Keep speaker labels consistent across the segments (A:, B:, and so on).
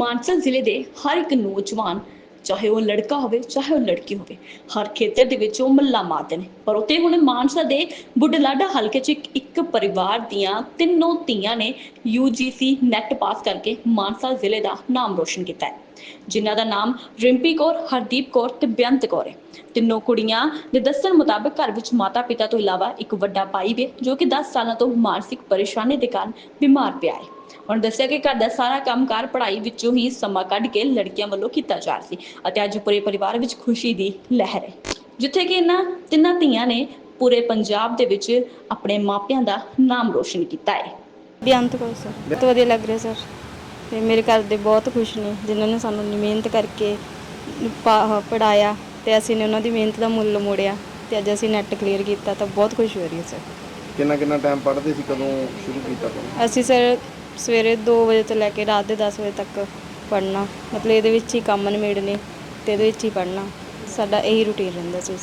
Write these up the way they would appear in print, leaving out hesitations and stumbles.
A: ਮਾਨਸਾ ਜ਼ਿਲ੍ਹੇ ਦੇ ਹਰ ਇੱਕ ਨੌਜਵਾਨ ਚਾਹੇ ਉਹ ਲੜਕਾ ਹੋਵੇ ਚਾਹੇ ਉਹ ਲੜਕੀ ਹੋਵੇ ਹਰ ਖੇਤਰ ਦੇ ਵਿੱਚ ਉਹ ਮੱਲਾ ਮਾਰਦੇ ਨੇ। ਪਰ ਉੱਥੇ ਹੁਣ ਮਾਨਸਾ ਦੇ ਬੁਢਲਾਡਾ ਹਲਕੇ 'ਚ ਇੱਕ ਪਰਿਵਾਰ ਦੀਆਂ ਤਿੰਨੋਂ ਧੀਆਂ ਨੇ UGC ਨੈਟ ਪਾਸ ਕਰਕੇ ਮਾਨਸਾ ਜ਼ਿਲ੍ਹੇ ਦਾ ਨਾਮ ਰੋਸ਼ਨ ਕੀਤਾ ਹੈ, ਜਿਨ੍ਹਾਂ ਦਾ ਨਾਮ ਰਿੰਪੀ ਕੌਰ, ਹਰਦੀਪ ਕੌਰ ਤੇ ਬੇਅੰਤ ਕੌਰ ਹੈ। ਤਿੰਨੋਂ ਕੁੜੀਆਂ ਦੇ ਦੱਸਣ ਮੁਤਾਬਕ ਘਰ ਵਿੱਚ ਮਾਤਾ ਪਿਤਾ ਤੋਂ ਇਲਾਵਾ ਇੱਕ ਵੱਡਾ ਭਾਈ ਵੀ ਜੋ ਕਿ 10 ਸਾਲਾਂ ਤੋਂ ਮਾਨਸਿਕ ਪਰੇਸ਼ਾਨੀ ਦੇ ਕਾਰਨ ਬਿਮਾਰ ਪਿਆ ਹੈ। ਹੁਣ ਦੱਸਿਆ ਕਿ ਘਰ ਦਾ ਸਾਰਾ ਕੰਮਕਾਰ ਪੜ੍ਹਾਈ ਵਿੱਚੋਂ ਹੀ ਸਮਾਂ ਕੱਢ ਕੇ ਲੜਕੀਆਂ ਵੱਲੋਂ ਕੀਤਾ ਜਾ ਰਿਹਾ ਸੀ ਅਤੇ ਅੱਜ ਪੂਰੇ ਪਰਿਵਾਰ ਵਿੱਚ ਖੁਸ਼ੀ ਦੀ ਲਹਿਰ ਹੈ, ਜਿੱਥੇ ਕਿ ਇਹਨਾਂ ਤਿੰਨਾਂ ਧੀਆਂ ਨੇ ਪੂਰੇ ਪੰਜਾਬ ਦੇ ਵਿੱਚ ਆਪਣੇ ਮਾਪਿਆਂ ਦਾ ਨਾਮ ਰੋਸ਼ਨ ਕੀਤਾ ਹੈ।
B: ਬੇਅੰਤ ਕੌਰ ਸਰ, ਬਹੁਤ ਵਧੀਆ ਲੱਗ ਰਿਹਾ ਸਰ। ਤੇ ਮੇਰੇ ਘਰ ਦੇ ਬਹੁਤ ਖੁਸ਼ ਨੇ, ਜਿਨ੍ਹਾਂ ਨੇ ਸਾਨੂੰ ਮਿਹਨਤ ਕਰਕੇ ਪੜ੍ਹਾਇਆ ਤੇ ਅਸੀਂ ਨੇ ਉਹਨਾਂ ਦੀ ਮਿਹਨਤ ਦਾ ਮੁੱਲ ਮੋੜਿਆ ਤੇ ਅੱਜ ਅਸੀਂ ਨੈਟ ਕਲੀਅਰ ਕੀਤਾ ਤਾਂ ਬਹੁਤ ਖੁਸ਼ੀ ਹੋ ਰਹੀ ਹੈ ਸਰ।
C: ਕਿੰਨਾ ਟਾਈਮ ਪੜ੍ਹਦੇ ਸੀ, ਕਦੋਂ ਸ਼ੁਰੂ ਕੀਤਾ ਤੁਹਾਨੂੰ?
B: ਅਸੀਂ ਸਰ ਸਵੇਰੇ 2 ਵਜੇ ਤੋਂ ਲੈ ਕੇ ਰਾਤ ਦੇ 10 ਵਜੇ ਤੱਕ ਪੜ੍ਹਨਾ, ਮਤਲਬ ਇਹਦੇ ਵਿੱਚ ਹੀ ਕੰਮ ਨਿਬੇੜਨੇ ਤੇ ਇਹਦੇ ਵਿੱਚ ਹੀ ਪੜ੍ਹਨਾ, ਸਾਡਾ ਇਹੀ ਰੂਟੀਨ ਰਹਿੰਦਾ ਸੀ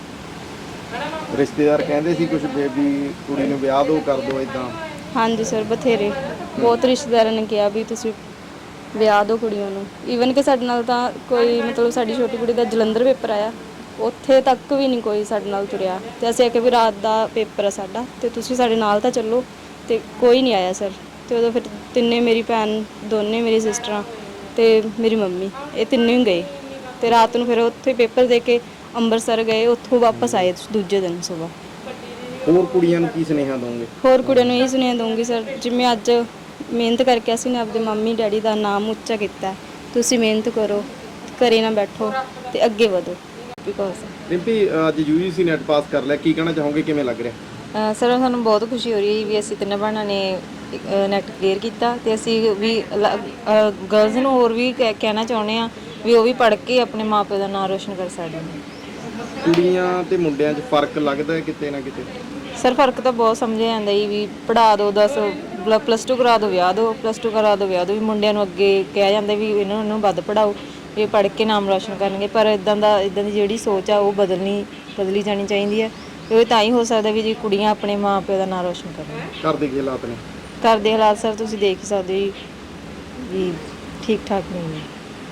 B: ਸਰ।
C: ਰਿਸ਼ਤੇਦਾਰ ਕਹਿੰਦੇ ਸੀ ਕੁਝ ਬੇਬੀ ਕੁੜੀ ਨੂੰ ਵਿਆਹ ਦੋ, ਕਰ ਦੋ ਇਦਾਂ?
B: ਹਾਂਜੀ ਸਰ, ਬਥੇਰੇ ਬਹੁਤ ਰਿਸ਼ਤੇਦਾਰਾਂ ਨੇ ਕਿਹਾ ਵੀ ਤੁਸੀਂ ਵਿਆਹ ਦਿਓ ਕੁੜੀਆਂ ਨੂੰ। ਈਵਨ ਕਿ ਸਾਡੇ ਨਾਲ ਤਾਂ ਕੋਈ ਮਤਲਬ ਸਾਡੀ ਛੋਟੀ ਕੁੜੀ ਦਾ ਜਲੰਧਰ ਪੇਪਰ ਆਇਆ, ਉੱਥੇ ਤੱਕ ਵੀ ਨਹੀਂ ਕੋਈ ਸਾਡੇ ਨਾਲ ਤੁਰਿਆ ਤੇ ਅਸੀਂ ਆਖਿਆ ਵੀ ਰਾਤ ਦਾ ਪੇਪਰ ਆ ਸਾਡਾ ਤੇ ਤੁਸੀਂ ਸਾਡੇ ਨਾਲ ਤਾਂ ਚੱਲੋ, ਤੇ ਕੋਈ ਨਹੀਂ ਆਇਆ ਸਰ। ਤੇ ਉਦੋਂ ਫਿਰ ਤਿੰਨੇ, ਮੇਰੀ ਭੈਣ ਦੋਨੇ, ਮੇਰੀ ਸਿਸਟਰਾਂ ਤੇ ਮੇਰੀ ਮੰਮੀ, ਇਹ ਤਿੰਨੇ ਹੀ ਗਏ ਤੇ ਰਾਤ ਨੂੰ ਫਿਰ ਉੱਥੇ ਪੇਪਰ ਦੇ ਕੇ ਅੰਮ੍ਰਿਤਸਰ ਗਏ, ਉੱਥੋਂ ਵਾਪਸ ਆਏ ਦੂਜੇ ਦਿਨ ਸਵੇਰ।
C: ਹੋਰ ਕੁੜੀਆਂ ਨੂੰ ਕੀ ਸੁਨੇਹਾ ਦੋਗੇ?
B: ਹੋਰ ਕੁੜੀਆਂ ਨੂੰ ਇਹ ਸੁਨੇਹਾ ਦਊਂਗੀ ਸਰ, ਜਿਵੇਂ ਅੱਜ ਮਿਹਨਤ ਕਰਕੇ ਅਸੀਂ ਨੇ ਆਪਦੇ ਮੰਮੀ ਡੈਡੀ ਦਾ ਨਾਮ ਉੱਚਾ ਕੀਤਾ, ਤੁਸੀਂ ਮਿਹਨਤ ਕਰੋ, ਘਰੇ ਨਾ ਬੈਠੋ ਤੇ ਅੱਗੇ ਵਧੋ।
C: ਰਿੰਪੀ, ਅੱਜ UGC ਨੈਟ ਪਾਸ ਕਰ ਲਿਆ, ਕੀ ਕਹਿਣਾ ਚਾਹੋਗੇ, ਕਿਵੇਂ ਲੱਗ ਰਿਹਾ?
D: ਸਰ ਸਾਨੂੰ ਬਹੁਤ ਖੁਸ਼ੀ ਹੋ ਰਹੀ ਹੈ ਵੀ ਅਸੀਂ ਤਿੰਨੇ ਭੈਣਾਂ ਨੇ ਨੈਟ ਕਲੀਅਰ ਕੀਤਾ ਤੇ ਅਸੀਂ ਵੀ ਗਰਲਜ਼ ਨੂੰ ਹੋਰ ਵੀ ਕਹਿਣਾ ਚਾਹੁੰਦੇ ਹਾਂ ਵੀ ਉਹ ਵੀ ਪੜ੍ਹ ਕੇ ਆਪਣੇ ਮਾਪੇ ਦਾ ਨਾਮ ਰੋਸ਼ਨ ਕਰ ਸਕਦੇ ਨੇ।
C: ਕੁੜੀਆਂ ਤੇ ਮੁੰਡਿਆਂ 'ਚ ਫਰਕ ਲੱਗਦਾ ਹੈ ਕਿਤੇ ਨਾ ਕਿਤੇ?
D: ਸਰ ਫਰਕ ਤਾਂ ਬਹੁਤ ਸਮਝਿਆ ਜਾਂਦਾ ਜੀ, ਵੀ ਪੜ੍ਹਾ ਦਿਓ, +2 ਕਰਾ ਦਿਓ, ਵਿਆਹ ਦਿਓ, +2 ਕਰਾ ਦਿਓ, ਵਿਆਹ ਦਿਓ, ਵੀ ਮੁੰਡਿਆਂ ਨੂੰ ਅੱਗੇ ਕਿਹਾ ਜਾਂਦਾ ਵੀ ਇਹਨਾਂ ਨੂੰ ਵੱਧ ਪੜ੍ਹਾਓ, ਇਹ ਪੜ੍ਹ ਕੇ ਨਾਮ ਰੋਸ਼ਨ ਕਰਨਗੇ। ਪਰ ਇੱਦਾਂ ਦੀ ਜਿਹੜੀ ਸੋਚ ਆ ਉਹ ਬਦਲੀ ਜਾਣੀ ਚਾਹੀਦੀ ਹੈ। ਇਹ ਤਾਂ ਹੀ ਹੋ ਸਕਦਾ ਵੀ ਜੀ ਕੁੜੀਆਂ ਆਪਣੇ ਮਾਂ ਪਿਓ ਦਾ ਨਾਮ ਰੋਸ਼ਨ ਕਰਨ।
C: ਘਰ ਦੇ ਕੀ ਹਾਲਾਤ ਨੇ?
D: ਘਰ ਦੇ ਹਾਲਾਤ ਸਰ ਤੁਸੀਂ ਦੇਖ ਹੀ ਸਕਦੇ ਜੀ ਵੀ ਠੀਕ ਠਾਕ ਨਹੀਂ ਨੇ।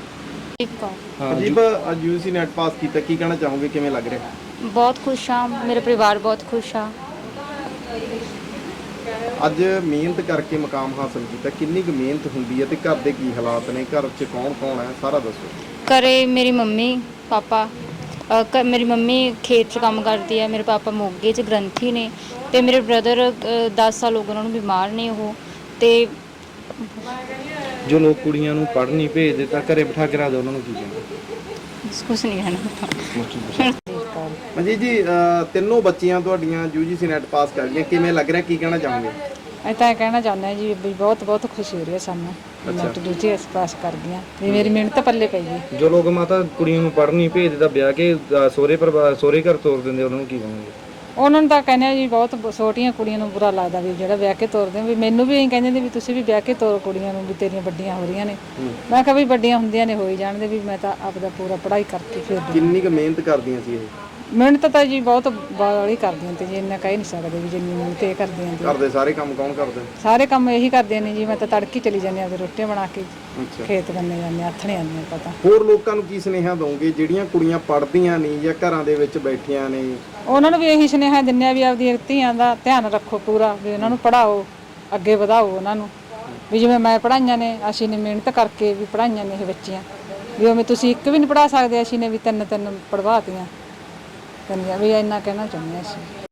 C: ਹਾਂ ਜੀ, ਅੱਜ UGC ਨੈਟ ਪਾਸ ਕੀਤਾ, ਕੀ ਕਹਿਣਾ ਚਾਹੋਗੇ, ਕਿਵੇਂ ਲੱਗ ਰਿਹਾ?
E: ਬਹੁਤ ਖੁਸ਼ ਹਾਂ, ਮੇਰੇ ਪਰਿਵਾਰ ਬਹੁਤ ਖੁਸ਼ ਆ।
C: ਅੱਜ ਮਿਹਨਤ ਕਰਕੇ ਮੁਕਾਮ ਹਾਸਲ ਕੀਤਾ, ਕਿੰਨੀ ਕੁ ਮਿਹਨਤ ਹੁੰਦੀ ਹੈ ਤੇ ਘਰ ਦੇ ਕੀ ਹਾਲਾਤ ਨੇ, ਘਰ 'ਚ ਕੌਣ ਹੈ, ਸਾਰਾ ਦੱਸੋ।
E: ਘਰੇ ਮੇਰੀ ਮੰਮੀ ਪਾਪਾ, ਮੇਰੀ ਮੰਮੀ ਖੇਤ 'ਚ ਕੰਮ ਕਰਦੀ ਹੈ, ਮੇਰੇ ਪਾਪਾ ਮੋਗੇ 'ਚ ਗ੍ਰੰਥੀ ਨੇ ਤੇ ਮੇਰੇ ਬ੍ਰਦਰ 10 ਸਾਲ ਹੋ ਗਏ ਉਹਨਾਂ ਨੂੰ ਬਿਮਾਰ ਨੇ ਉਹ। ਤੇ
F: ਜੋ ਲੋਕ ਕੁੜੀਆਂ ਨੂੰ ਪੜ੍ਹਨ ਨਹੀਂ ਭੇਜਦੇ ਤਾਂ ਘਰੇ ਬਿਠਾ ਕੇ ਰੱਖਦੇ, ਉਹਨਾਂ ਨੂੰ ਕੀ ਕਹਿੰਦੇ?
E: ਕੁਛ ਨਹੀਂ ਕਹਿਣਾ।
C: ਮਨਜੀਤ ਜੀ, ਤਿੰਨੋਂ ਬੱਚੀਆਂ ਤੁਹਾਡੀਆਂ UGC ਨੈਟ ਪਾਸ ਕਰ ਗਈਆਂ, ਕਿਵੇਂ ਲੱਗ ਰਿਹਾ, ਕੀ ਕਹਿਣਾ ਚਾਹੋਗੇ?
G: ਅਸੀਂ ਤਾਂ ਇਹ ਕਹਿਣਾ ਚਾਹੁੰਦੇ ਹਾਂ ਜੀ ਵੀ ਬਹੁਤ ਖੁਸ਼ੀ ਹੋ ਰਹੀ ਹੈ ਸਾਨੂੰ, ਨੈਟ ਦੂਜੀ ਪਾਸ ਕਰ ਗਈਆਂ ਵੀ ਮੇਰੀ ਮਿਹਨਤ ਪੱਲੇ ਪਈ ਗਈ।
F: ਜੋ ਲੋਕ ਮਾਤਾ ਕੁੜੀਆਂ ਨੂੰ ਪੜ੍ਹਨ ਨਹੀਂ ਭੇਜਦੇ ਤਾਂ ਵਿਆਹ ਕੇ ਸਹੁਰੇ ਘਰ ਤੋਰ ਦਿੰਦੇ, ਉਹਨਾਂ ਨੂੰ ਕੀ ਕਹੋਗੇ?
G: ਉਹਨਾਂ ਨੂੰ ਤਾਂ ਕਹਿੰਦੇ ਆ ਜੀ, ਬਹੁਤ ਛੋਟੀਆਂ ਕੁੜੀਆਂ ਨੂੰ ਬੁਰਾ ਲੱਗਦਾ ਵੀ ਜਿਹੜਾ ਵਿਆਹ ਕੇ ਤੋਰਦੇ, ਵੀ ਮੈਨੂੰ ਵੀ ਇਹੀ ਕਹਿੰਦੇ ਨੇ ਵੀ ਤੁਸੀਂ ਵੀ ਵਿਆਹ ਕੇ ਤੋਰੋ ਕੁੜੀਆਂ ਨੂੰ, ਵੀ ਤੇਰੀਆਂ ਵੱਡੀਆਂ ਹੋ ਰਹੀਆਂ ਨੇ। ਮੈਂ ਕਿਹਾ ਵੀ ਵੱਡੀਆਂ ਹੁੰਦੀਆਂ ਨੇ ਹੋਈ ਜਾਣਦੇ, ਵੀ ਮੈਂ ਤਾਂ ਆਪਦਾ ਪੂਰਾ ਪੜ੍ਹਾਈ ਕਰਕੇ ਫਿਰ।
C: ਕਿੰਨੀ ਕੁ ਮਿਹਨਤ ਕਰਦੀਆਂ ਸੀ ਇਹ?
G: ਮਿਹਨਤ ਤਾਂ ਜੀ ਬਹੁਤ ਬਾਹਲੀ ਕਰਦੀਆਂ ਤੇ ਜੀ, ਇੰਨਾ ਕਹਿ ਨਹੀਂ ਸਕਦੇ ਵੀ ਜਿੰਨੀ ਮਿਹਨਤ ਇਹ ਕਰਦੀਆਂ
C: ਘਰ ਦੇ ਸਾਰੇ ਕੰਮ ਕੌਣ ਕਰਦੇ?
G: ਸਾਰੇ ਕੰਮ ਇਹੀ ਕਰਦੀਆਂ ਨੇ ਜੀ। ਮੈਂ ਤਾਂ ਤੜਕੀ ਚਲੀ ਜਾਂਦੀ ਆ ਤੇ ਰੋਟੀਆਂ ਬਣਾ ਕੇ
C: ਅੱਛਾ,
G: ਖੇਤ ਬੰਨੇ ਜਾਂਦੇ, ਆਥਣੇ ਆਉਂਦੇ ਪਤਾ।
C: ਹੋਰ ਲੋਕਾਂ ਨੂੰ ਕੀ ਸੁਨੇਹਾ ਦੋਗੇ ਜਿਹੜੀਆਂ ਕੁੜੀਆਂ ਪੜ੍ਹਦੀਆਂ ਨਹੀਂ ਜਾਂ ਘਰਾਂ ਦੇ ਵਿੱਚ ਬੈਠੀਆਂ ਨੇ?
G: ਉਹਨਾਂ ਨੂੰ ਵੀ ਇਹੀ ਸੁਨੇਹਾ ਦਿੰਦੇ ਆ ਵੀ ਆਪਦੀਆਂ ਧੀਆਂ ਦਾ ਧਿਆਨ ਰੱਖੋ ਪੂਰਾ, ਵੀ ਉਹਨਾਂ ਨੂੰ ਪੜ੍ਹਾਓ, ਅੱਗੇ ਵਧਾਓ ਉਹਨਾਂ ਨੂੰ, ਵੀ ਜਿਵੇਂ ਮੈਂ ਪੜ੍ਹਾਈਆਂ ਨੇ, ਅਸੀਂ ਨੇ ਮਿਹਨਤ ਕਰਕੇ ਵੀ ਪੜ੍ਹਾਈਆਂ ਨੇ ਇਹ ਬੱਚੀਆਂ, ਵੀ ਉਵੇਂ ਤੁਸੀਂ ਇੱਕ ਵੀ ਨਹੀਂ ਪੜ੍ਹਾ ਸਕਦੇ, ਅਸੀਂ ਨੇ ਵੀ ਤਿੰਨ ਪੜ੍ਹਵਾਤੀਆਂ। ਵੀ ਇੰਨਾ ਕਹਿਣਾ ਚਾਹੁੰਦੇ ਹਾਂ ਅਸੀਂ।